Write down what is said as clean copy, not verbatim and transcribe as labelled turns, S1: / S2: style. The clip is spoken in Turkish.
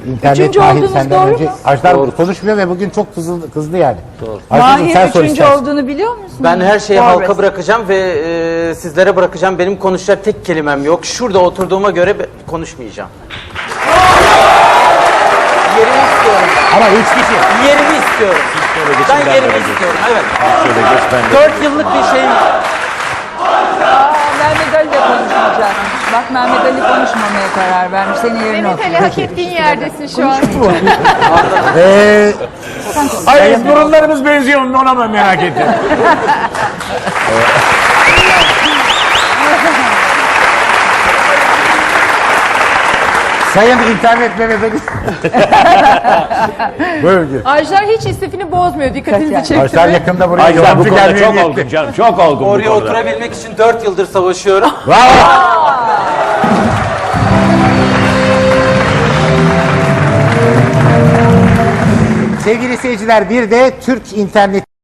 S1: internet
S2: Üçüncü
S1: Mahir
S2: olduğunuz
S1: senden
S2: doğru
S1: önce.
S2: mu?
S1: Ajdar
S3: Doğru.
S1: konuşmuyor ve bugün çok kızdı yani.
S3: Doğru.
S1: Ajdar'cığım, sen
S2: Mahir
S1: sor
S2: üçüncü
S1: istersen.
S2: olduğunu biliyor musun?
S3: Ben her şeyi
S2: Forvet.
S3: halka bırakacağım ve sizlere bırakacağım. Benim konuşacak tek kelimem yok. Şurada oturduğuma göre konuşmayacağım. Yerimi istiyorum.
S1: Ama 3 kişi.
S3: Yerimi istiyorum. Ben yerimi istiyorum. Evet.
S4: Şöyle geç ben de.
S3: 4 yıllık bir şeyim var.
S2: Mehmet Ali de konuşmayacak. Bak Mehmet Ali konuşmamaya karar vermiş. Senin yerine
S5: Mehmet Ali hak ettiğin yerdesin şu an.
S4: Hayır burunlarımız benziyor ona mı merak ettim.
S1: Sayın internet Mehmet Ali. Böyle.
S5: Ajdar hiç istifini bozmuyor. Dikkatinizi çekti
S1: Ajdar
S5: mi?
S1: yakında buraya
S4: Ajdar bu
S1: yabancı
S4: konuda
S1: gelmeye
S4: çok
S1: niyetli.
S4: olgun canım. Çok olgun bu
S3: Oraya
S4: konuda.
S3: oturabilmek için 4 yıldır savaşıyorum.
S1: Bravo. Sevgili seyirciler, bir de Türk internet